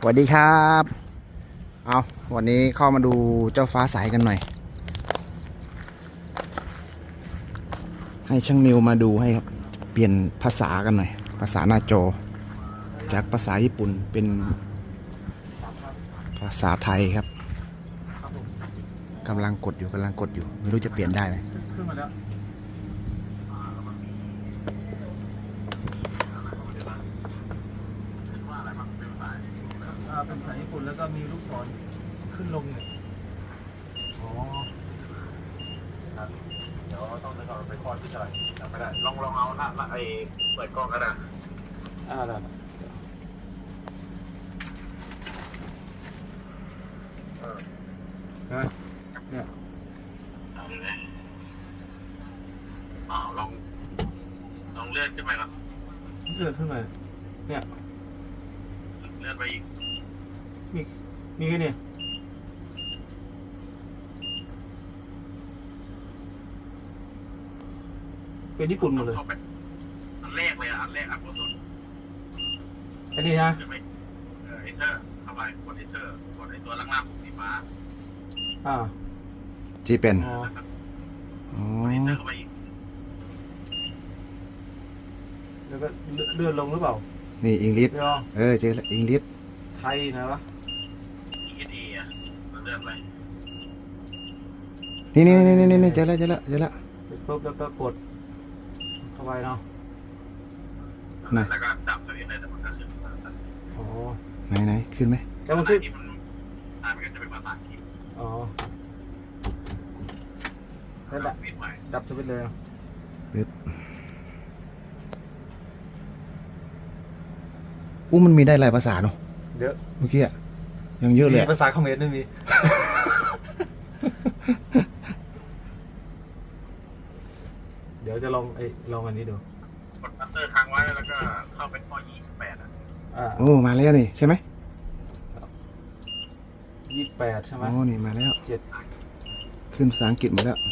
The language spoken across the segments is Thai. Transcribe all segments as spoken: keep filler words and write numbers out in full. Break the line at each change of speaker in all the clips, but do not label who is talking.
วัสดีครับเอาวันนี้เข้ามาดูเจ้าฟ้าใสกันหน่อยให้ช่างนิวมาดูให้ครับเปลี่ยนภาษากันหน่อยภาษาหน้าจอจากภาษาญี่ปุ่นเป็นภาษาไทยครับกำลังกดอยู่กำลังกดอยู่ไม่รู้จะเปลี่ยนได้ไหม
ขึ้นมาแล้วเป็นภาษาญี่ปุ่นแล้วก็มีลูกศรขึ้นลงเนี่ยอ๋อ
เดี๋ยวต้องไปก่อนไปคลอดที่ไหนจำไม่ได้ลองลองเอาหน้าไอ้เปิดกล้องก็ได้
อ่าได้
เออ
เห็นไหมเนี่ย
เอาเลยอ๋อลองลองเลื่อนขึ้นไปครับ
เลื่อนขึ้นมาเนี่ย
เลื่อนไปอีก
มีมีแค่นี้เป็นญี่ปุ่นหมดเลย
อันแรกเลยอ่ะอันแรกอันบนสุด
อันนี้ฮะ
เออไอเทอร์เข้าไปกดไอเทอร์กดไอตัวล่างๆสีฟ้า
อ่า
จีเป็น
อ๋อ
อ๋อ
ไอเทอร์เข้าไปอีก
แล้วก็เลื่อนลงหรือเปล่า
นี่อังกฤษเออเจออังกฤษ
ไทยนะวะ
อีดีอ่ะเลื่อนไป
นี่นี่นี่นี่นี่เจอแล้วเจอแล้วเจอแล้ว
เสร็จปุ๊บแล้วก็กดเข้าไปเนาะ
แล้วก็ดับสวิตช์เลยแต่มันก็ขึ้น
อ๋อ
ไหนไหนขึ้นไหม
แต่มันขึ้น
อ่ามันก็จะเป็นภาษาอังกฤษ
อ๋อแล้วดับดับสวิตช์เลย
ปึ๊บอู้มันมีได้หลายภาษาเนาะ
เยอะ
เมื่อกี้อะยังเยอะเลย
ภาษาเขมรไม่มีเดี๋ยวจะลองไอ้ลองอันนี้ดู
กดคัสเตอร์ค้างไว้แล้วก็เข้าไปข้อยี่สิบแปดอ่ะ
โอ้มาแล้วนี่ใช่ไหม
ยี่สิบแปดใช่ไหม
โอ้นี่มาแล้ว
เจ็ด
ขึ้นภาษาอังกฤษหมดแล้ว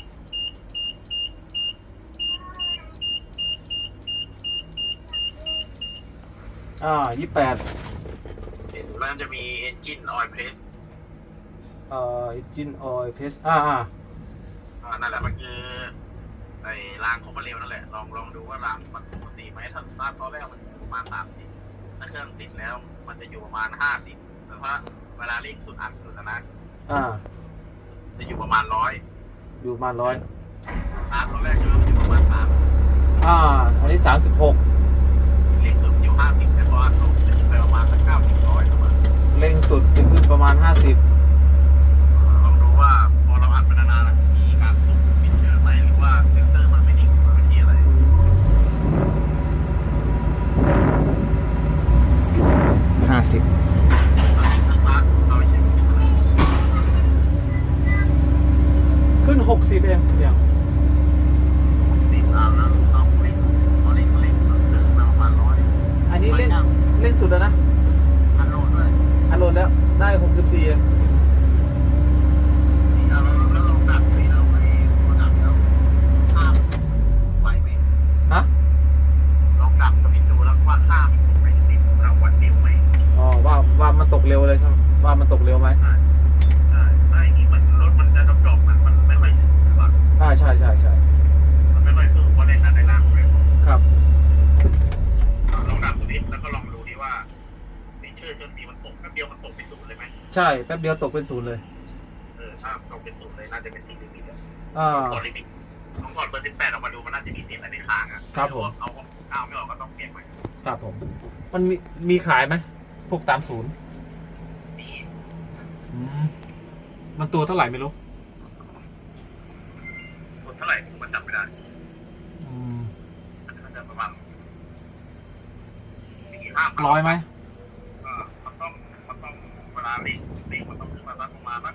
อ่ายี่สิบแปด
แล้วจะมี engine oil press
เอ่อ engine oil press อ่าอ่า
อ่านั่นแหละมันคือไอ้รางคอมเพรสเร็วนั่นแหละลองลองดูว่ารางมันปกติไหมถ้าตอนตอนแรกมันอยู่ประมาณสามสิบถ้าเครื่องติดแล้วมันจะอยู่ประมาณห้าสิบแต่ว่าเวลาเร่งสุดอัดสุดนะ
อ่า
จะอยู่ประมาณร้อย
อยู่ประมาณร้อย
ตอนแรกจะอยู่ประมาณสาม
อ่าอันนี้สามสิบหก
เร่งสุดอยู่ห้าสิบแต่พออัดลงจะไปประมาณสักเก้าสิบร้อยประมาณ
เร่งสุดจะขึ้นประมาณห้าสิบ
ลองดูว่าพอเราอัดไปนานๆมีการควบคุมปิดเจอไหมหรือว่าเซ็นเซอร์มันไม่นิ่งมันเป็นที่อะไร
ห้าสิบ
ขึ้นหกสิบเองเดี๋ยว
สิบเอาแล้วเราเร่งเราเร่งเร่งสุดถึงประมาณร้อย
อันนี้เร่งเร่งสุดแล้วนะ
อันโหลดด้วย
อันโหลดแล้วได้หกสิบสี่เอง
แล้วแล้วลองดับไปแล้วไอ้ดับแล้วข้ามไหวไหม
ฮะ
ลองดับสวิตช์ดูแล้วว่าข้ามตกไปติดเราวัดเร็วไหม
อ๋อว่าว่ามันตกเร็วเลยใช่ไหมว่ามันตกเร็วไหม
ใช่ใช่ไม่นี่เหมือนรถมันจะดรอปมันมันไม่ค่อยสู้หรอก
อ่าใช่ใช่ใช่
มันไม่ค่อยสู้เพราะในนั้นในล่างเลย
ครับ
ลองดับสวิตช์แล้วก็ลองดูดิว่าในเชื่อเชื่อสีมันตกแป๊บเดียวมันตกไปศูนย์เลยไหม
ใช่แป๊บเดียวตกเป็นศูนย์เลย
เออถ้าตกไปศูนย์เลยน่าจะเป็นที่ลิมิต
อ่า
ถอดลิมิตลองถอดเบอร์สิบแปดออกมาดูมันน่าจะมีเศษอะไรค้างอ่ะ
ครับผม
เอาข้าวไม่ออกก็ต้องเปลี่ยนใหม่
ครับผมมันมีมีขายไหมพวกตามศูนย์
มี
อืมมันตัวเท่าไหร่ไม่รู้
ตัวเท่าไหร่มันจำไม่ได้
อืม
มันจะประมาณ
ร้อยไหม
มันต้องมันต้องเวลาเร่งเร่งมันต้องขึ้นมาสักประมาณสัก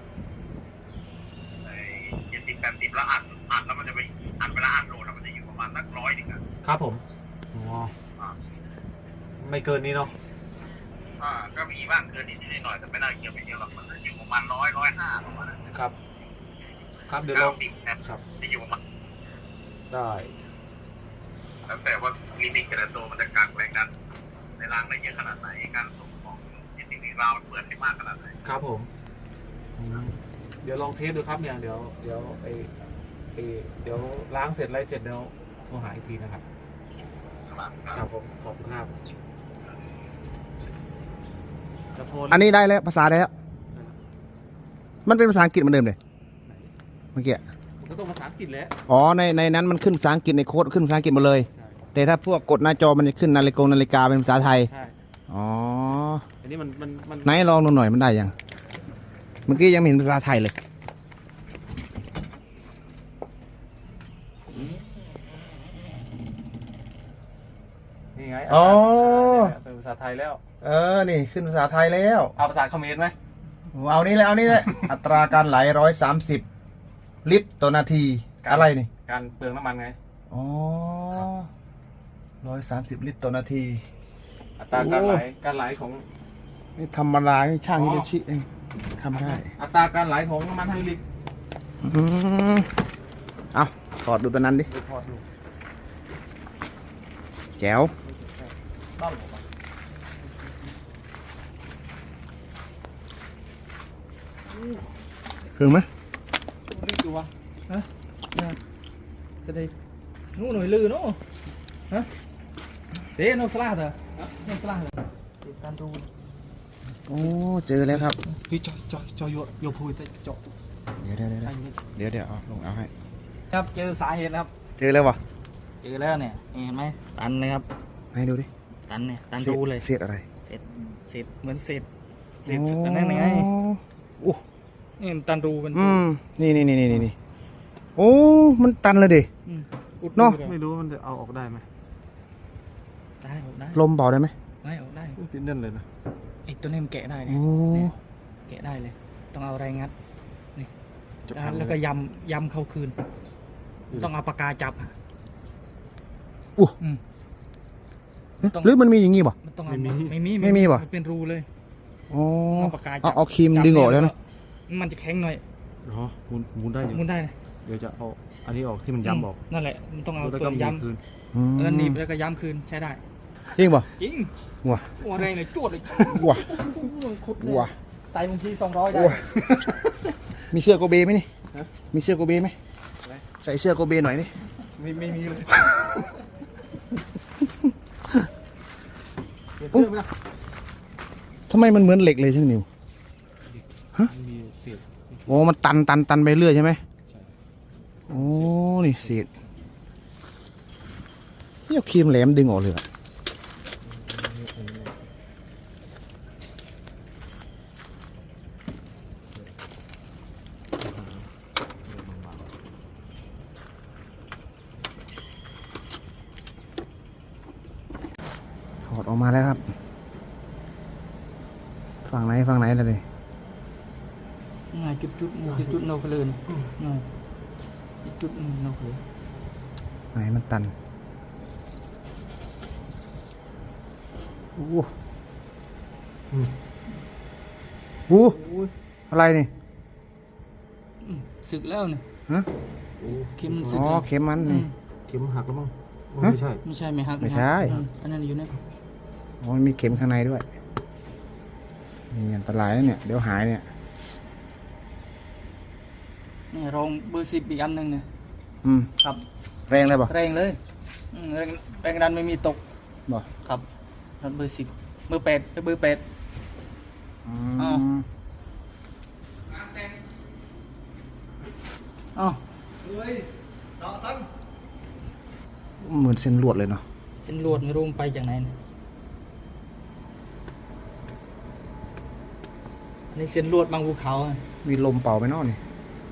เจ็ดสิบแปดสิบแล้วอัดอัดแล้วมันจะไปอัดเวลาอัดโหลดมันจะอยู่ประมาณสักร้อยหนึ่งอ่ะ
ครับผมอ๋อไม่เกินนี้เนาะ
อ่าก็มีบ้างเกินนิดนิดหน่อยแต่ไม่น่าเกี่ยวไปเยอะหรอกมันจะอยู่ประมาณร้อยร้อยห้าประมาณนั้น
ครับครับเดี๋ยวเรา
ครับจะอยู่ประมาณ
ได้
แล้วแต่ว่าลิมิตแต่ละตัวมันจะกักแรงดันในรางได้เยอะขนาดไหนการส่งของที่สิ่งนี้วาล์วมันเปิดให้มากขนาดไหน
ครับผมอืมเดี๋ยวลองเทสดูครับเนี่ยเดี๋ยวเดี๋ยวไอไอเดี๋ยวล้างเสร็จอะไรเสร็จเดี๋ยวโทรหาอีกทีนะครับ
ครับ
ครับผมขอบคุณครับแล้วโทร
อันนี้ได้แล้วภาษาได้แล้ว มันเป็นภาษาอังกฤษเหมือนเดิมเลยเมื่อกี้
มันก็ต้องภาษาอังกฤษแหละ
อ๋อในในนั้นมันขึ้นภาษาอังกฤษในโค้ดขึ้นภาษาอังกฤษหมดเลย
ใช่
แต่ถ้าพวกกดหน้าจอมันจะขึ้นนาฬิกานาฬิกาเป็นภาษาไทย
ใช่
อ๋อ
อันนี้มันมันมัน
ไหนลองดูหน่อยมันได้ยัง เมื่อกี้ยังไม่เห็นภาษาไทยเลย
นี่ไง
อ๋อ
เป็นภาษาไทยแล้ว
เออ นี่ขึ้นภาษาไทยแล้ว
เอาภาษาเขมรไหม
เอานี่แหละเอานี่แหละ อัตราการไหลร้อยสามสิบลิตรต่อนาที อะไรนี่
การเปลืองน้ำมันไง
อ๋อร้อยสามสิบลิตรต่อนาที
อัตราการไหล
โอ้
การไหลของ
นี่ธรรมดานี่ช่างฮิโดชิเองทำได้
อัตราการไหลของน้ำมันไฮดรอลิก
อืมเอาถอดดูตัวนั้นดิ
ไปถอดดู
แจ๋ว
ต้องหรอปะ
ถึงไหม
รีบดูวะฮะสเดย์นู้นหน่อยลือนู้ฮะเดี๋ยวนู้นสลาเถอะนู้นสลาเถอะติดตามดู
โอ้เจอแล้วครับ
พี่จอยจอยจอยโยโยพูดแต่จบ
เดี๋ยวเดี๋ยวเดี๋ยวเดี๋ยวเดี๋ยวเอาลงเอาให้
ครับเจอสาเหตุครับ
เจอแล้ววะ
เจอแล้วเนี่ยเห็นไหมตันเลยครับ
ให้ดูดิ
ตันเนี่ยตัน
ศษ
ดูเลย
เศษอะไร
เสร็จเสร็จเหมือนเสร็จเสร็จ
โอ้
อันนั้นไง
โอ้
นี่มันตันรูเป็น
อืมนี่นี่นี่นี่นี่โอ้มันตันเลยดิ
อืมอุด
เนอะ
รูลย
ไม่รู้ว่ามันจะเอาออกได้ไหม
ได้ออกได้
ลมเบาได้ไหม
ได้ออกได้
ติดแน่นเลยนะ
ไอ้ตัวนี้มันแกะได้
โอ้
เนี่ยเนี่ยแกะได้เลย ต้องเอาแรงงัดนี่
จะ
แล้ว
พัง
แล้วก็ยำยำเข้าคืน ต้องเอาปากกาจับอะ
อู้
อืม ต้อง
หรือมันมีอย่างงี้ป่ะ
มันต้องเอาไม่มี
ไม่มีป่ะ
นเป็นรูเลย
อ๋อ
เอาปากกาจั
เอา
บ
เอาครีม
จับ
ดึงออกแล้วนะ
มันจะแข็งหน่อย
อ๋อหมุนหมุนได้อยู่
มุนได้นะ
เดี๋ยวจะเอาอันนี้ออกที่มันย้ำออก
นั่นแหละมันต้องเอา
แล้ว
ตั
ก็
ว
มี
ย้ำ
คืน
อืม
เออหนีบแล้วก็ย้ำคืนใช้ได้
จริงป่ะ
จริง
ว้า
ตัวแรงเลยจวดเลย
ว้า
คุดเลย
ว้า
ใส่บางทีสองร้อยได้
ว้ามีเสื้อโกเบไหมนี่มีเสื้อโกเบไหมใส่เสื้อโกเบหน่อยนี่
ไม่ไม่มีเลย
เปลี่ยนเสื้อไหมล่ะ
ทำไมมันเหมือนเหล็กเลยช่างนิว
มันมีเศษ
โอ้มันตันตันตันไปเรื่อยใช่ไหม
ใช่
โอ้นี่เศษนี่เอาครีมแหลมดึงออกเลยอะถอดออกมาแล้วครับ ฝั่งไหนฝั่งไหนเลย
ง่ายจุดจุดจุดจุดนกเลยง่ายจุดจุดนกเลย
ไหนมันตันโอ้โหโอ้โหอะไรนี่
สึกแล้วเนี่ย
ฮะ
เข็มมันสึก
อ๋อ
แล้ว
เข็มมันนี่
เข็มหักแล้วมั้งอ๋อ
ฮะ
ไม่ใช่
ไม่ใช่ไหมครับ
ไม่ใช่
อันนั้นอยู่เนี่ย
อ๋อมันมีเข็มข้างในด้วย นี่อันตรายนะเนี่ย เดี๋ยวหายเนี่ย
นี่รองเบอร์สิบอีกอันหนึ่งเนี่ย
อืม
ครับ
แรงเลยป่ะ
แรงเลยอืมแรงแรงดันไม่มีตก
บ่
ครับแล้วเบอร์สิบเบอร์แปดเบอร์แปด
อื
อ้าว
ม
อ๋อ
เหมือนเส้นลวดเลยเนาะ
เส้นลวดไม่รู้มันไปจากไหนเนี่ยอันนี้เส้นลวดบางภูเขาอะ
มีลมเป่าไปเนอกนี่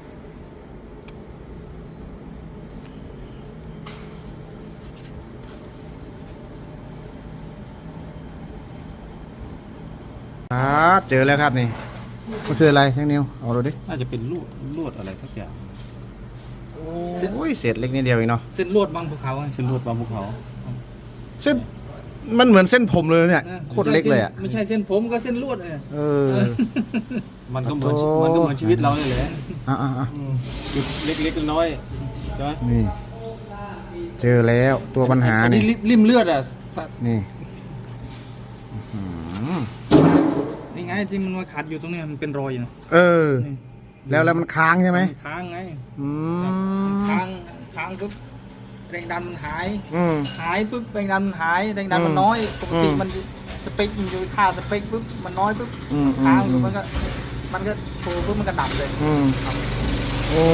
อ่าเจอแล้วครับนี่มันคืออะไรช่างนิวเอาดูดิ
น่าจะเป็นลวดลวดอะไรสักอย่าง
เส้น
โอ้ยเศษเล็กนิดเดียวเองเนาะ
เส้นลวดบางภูเขาอะ
เส้นลวดบางภูเขา
เส้นมันเหมือนเส้นผมเลยเนี่ย
นะ
โคตรเล็กเลยอ่ะ
ไม่ใช่เส้นผมก็เส้นลวดเนี่ย
เออ
มันก็เหมือน
โอ้
มันก็เหมือนชีวิตเราเลยแหละ
อ่ะอ่ะอ่ะ
อืมจุดเล็กๆน้อยๆใช่ไหม
นี่ เจอแล้วตัวปัญหา
อัน
นี่
นี้ริมเลือดอ่ะ
นี่อื้อหือ
นี่ไงที่มันมาขัดอยู่ตรงเนี้ยมันเป็นรอยอยู่นะ
เออ
นี่
แล้วแล้วมันค้างใช่ไหม
นค้างไง
อืม
ค้างค้างปุ๊บแรงดันมันหาย
อืม
หายปุ๊บแรงดันมันหายแรงดัน
อืม
มันน้อยปกติ
อืม
มันสเปคมันอยู่ค่าสเปคปุ๊บมันน้อยปุ๊บ
อืม
ค้างอ
อื
ยู่
ม
มันก็มันก็โชว์ปุ๊บมันก็ดับเลย
อืมโอ้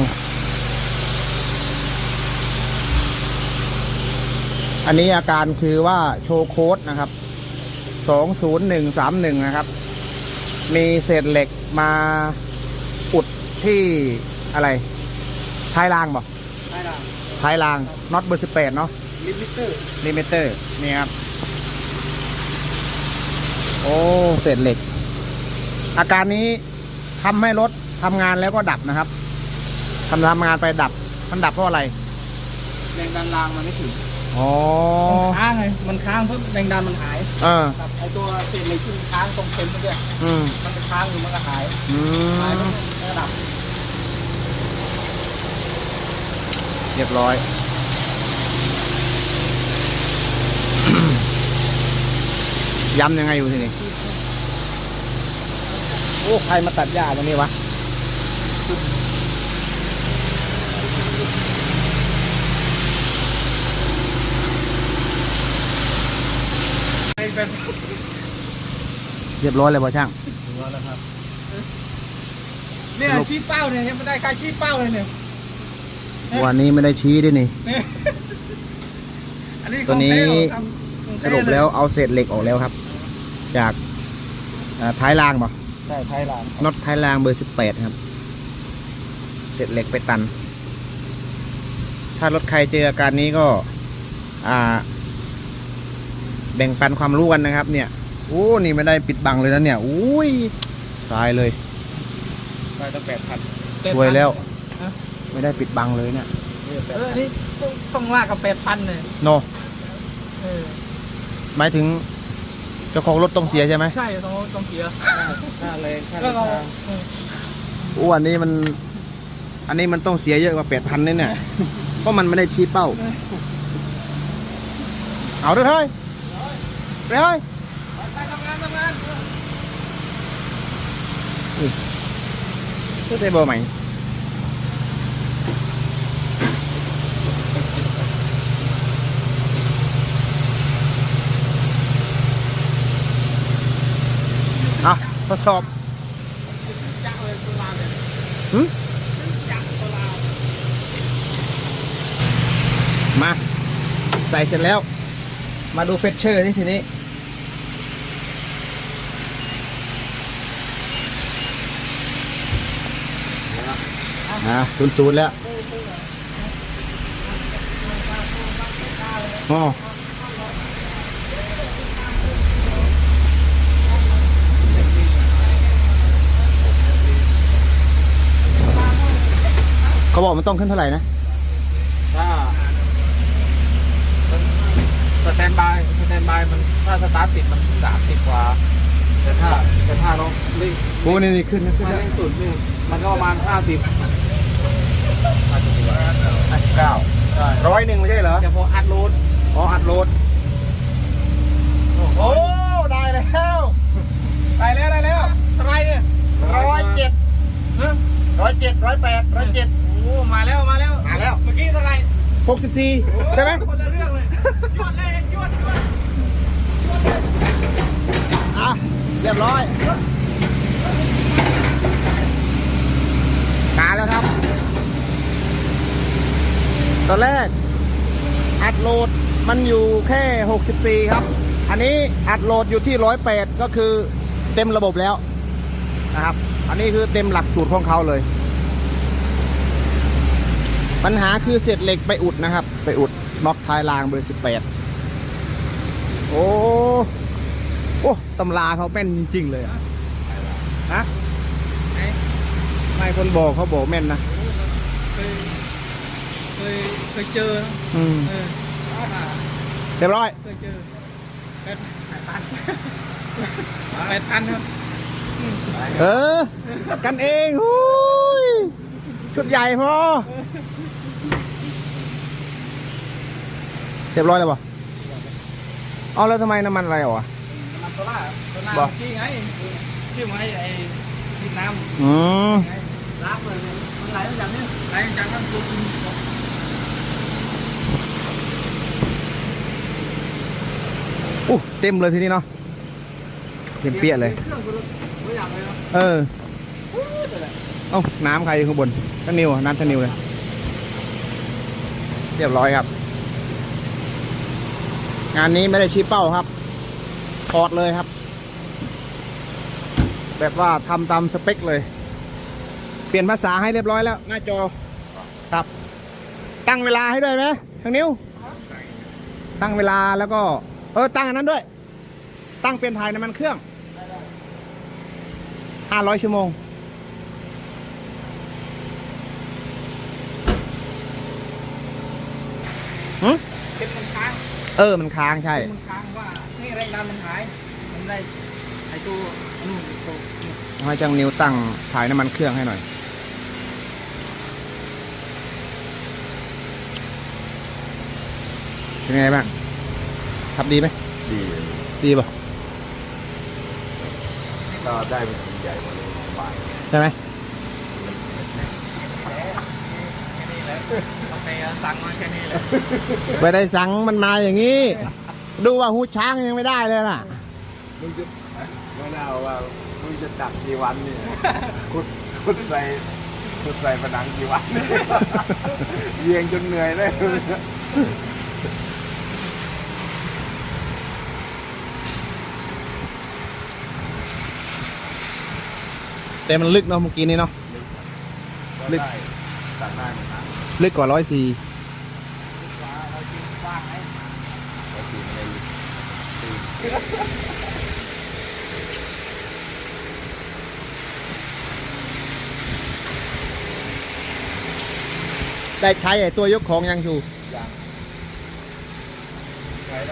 อันนี้อาการคือว่าโชว์โค้ดนะครับสองศูนย์หนึ่งสามหนึ่งนะครับ มีเศษเหล็กมาอุดที่อะไรท้ายรางบอก
ใช่ละ
ท้ายรางน็อตเบอร์สิบแปดเนาะ
ลิมิเตอร์
ลิมิเตอร์นี่ครับ โอ้เศษเหล็ก อาการนี้ทำให้รถทำงานแล้วก็ดับนะครับทำทำงานไปดับ มันดับเพราะอะไร
แรงดันรางมันไม่ถึง
อ๋อ
มันค้างไงมันค้างปุ๊บแรงดันมันหาย
เออ
ครับไอตัวเศษเหล็กที่มันค้างตรงเข็มเมื่อกี้
อืม
มันจะค้างอยู่มันก็หาย
อื
หาย
ม
ปุ๊บมันก็ดับ
เรียบร้อย ย้ำยังไงอยู่ทีนี้โอ้ใครมาตัดหญ้าตรงนี้วะ
ไอ้เป็น
เรียบร้อยเลยป่ะช่าง
เนี่ยชี้เป้าเนี่ยยังไม่ได้การชี้เป้าเลยเนี่ย
วันนี้ไม่ได้ชี้ด้วยนี่
อันนี้
ตัวนี้
ของแท้ของทำ
สรุปแล้วเอาเศษเหล็กออกแล้วครับ จากอ่าท้ายรางป่ะ
ใช่ไทยหลาน
น็อตท้ายรางเบอร์สิบแปดครับ เศษเหล็กไปตัน ถ้ารถใครเจออาการนี้ก็ อ่า แบ่งปันความรู้กันนะครับ เนี่ยโอ้นี่ไม่ได้ปิดบังเลยนะเนี่ยอุ้ยตายเลย
ไปตั้งแปดพัน
รวยแล้ว ไม่ได้ปิดบังเลยเนี่ย
เออนี่ต้องต้องว่ากับแปดพันเลย
โน
เออ
หมายถึงเจ้าของรถต้องเสียใช่ไหม
ใช่ต้องต้องเสีย
ค่าแรงค่า
แล้
เดิ
วน เรา
ทาง
เออ
โอ้อันนี้มัน อันนี้มันต้องเสียเยอะกว่าแปดพันเนี่ย เพราะมันไม่ได้ชี้เป้า เอาด้วยเฮ้ยไปเฮ้ย
ไปทำงานทำงาน
เพื่อได้เบอร์ใหม่อ่ะทดสอบหืมมา ใส่เสร็จแล้ว มาดูเฟชเชอร์นี่ทีนี้ อ่าศูนย์ศูนย์แล้วอ๋อเขาบอกมันต้องขึ้นเท่าไหร่นะ
ถ้าสแตนบายสแตนบายมันถ้าสตาร์ทติดมันสามสิบกว่าแต่ถ้าแต่ถ้าเราเร่ง
โอ้นี่นี่ขึ้นนะขึ้น
ถ้า
แล้ว
เร่งสุดนี่มันก็ประมาณห้าสิบห้าสิบกว่าห้าสิบเก้าใช่
ร้อยหนึ่งไม่ใช่เหรอ
แต่พออัดโหลด
อ๋ออัดโหลด โอ้ ได้แล้ว ได้แล้ว ได้แล้ว
อะไรเนี่ย
ร้อยเจ็ด
ฮะ
ร้อยเจ็ดร้อยแปดร้อยเจ็ด
โอ้มาแล้วมาแล้ว
มาแล้ว
เมื่อกี้เท่าไหร่
หกสิบสี่ใช่ไหม
คนละเรื่องเลยจวดเลยจวดจวด
อ่ะเรียบร้อยมาแล้วครับ ตอนแรก อัดโหลดมันอยู่แค่หกสิบสี่ครับ อันนี้อัดโหลดอยู่ที่หนึ่งร้อยแปดก็คือเต็มระบบแล้วนะครับ อันนี้คือเต็มหลักสูตรของเขาเลย ปัญหาคือเศษเหล็กไปอุดนะครับ ไปอุดน็อตท้ายรางเบอร์สิบแปดโอ้โอ้ตำราเขาแม่นจริงๆเลยอะฮะไม่คนบอกเขาบอกแม่นนะ
เคยเคยเคยเจอนะ
อืม
เออ
เรียบร้อย
เคยเจอแปดแปดพันแปดพันครับ
เออ กันเองหูยชุดใหญ่พอเรียบร้อยแล้วป่ะเอาแล้วทำไมน้ำมันอะไรอ่ะ
น้ำมันซล่าโซล่า
บ่
ที่ไงที่ไงไอ้ชิดน้ำ
อืม
ล้างเลยมันไหลมาจากนี่ไหลมาจากน้ำซุป
อู้เต็มเลยทีนี้เนาะเต็มเปี้ยเลย
เครื่องกูไม่อยากเลยเนาะ
เออเอ้าน้ำใครอยู่ข้างบนท่านนิวอะน้ำท่านนิวเลย เรียบร้อยครับ งานนี้ไม่ได้ชี้เป้าครับถอดเลยครับ แบบว่าทำตามสเปคเลย เปลี่ยนภาษาให้เรียบร้อยแล้ว หน้าจอครับ ตั้งเวลาให้ด้วยไหมทางนิ้ว ตั้งเวลาแล้วก็ เออตั้งอันนั้นด้วย ตั้งเปลี่ยนถ่ายน้ำมันเครื่องห้าร้อยชั่วโมงหืม
เป็นมันค้าง
เออมันค้างใช่
มันค้างว่านี่แรงดันมันหายมันได้ไอ้ตัวนู่นตัวนี่
ให้จังนิ้วตั้งถ่ายน้ำมันเครื่องให้หน่อย เป็นไงบ้างขับดีไหม
ดี
ดีป่ะ
ก็ได้เป็นใหญ่กว่าเลยสบาย
ใช่ไหม
แค่นี้แหละโอเคสั่งมาแค่นี้แหละ
ไม่ได้สั่งมันมาอย่างนี้ ดูว่าหูช้างยังไม่ได้เลยน่ะ
มึงจะไม่น่าว่ามึงจะดักกี่วันเนี่ยคุดคุดใส่คุดใส่ผนังกี่วันเยียงจนเหนื่อยเลย
แต่มันลึกเนาะเมื่อกี้นี้เนาะ ลึก
ตัดได้เหมือนกัน
ลึกกว่าร้อยสี่
เราจริงว่างไหม
ก็คือในตี
ได้ใช้ไอ้ตัวยกของยังอยู่
อย่างใช้ได้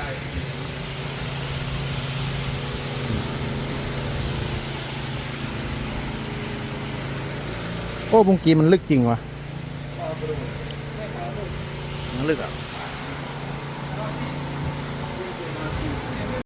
โอ้เมื่อกี้มันลึกจริงวะมันลึกอ่ะ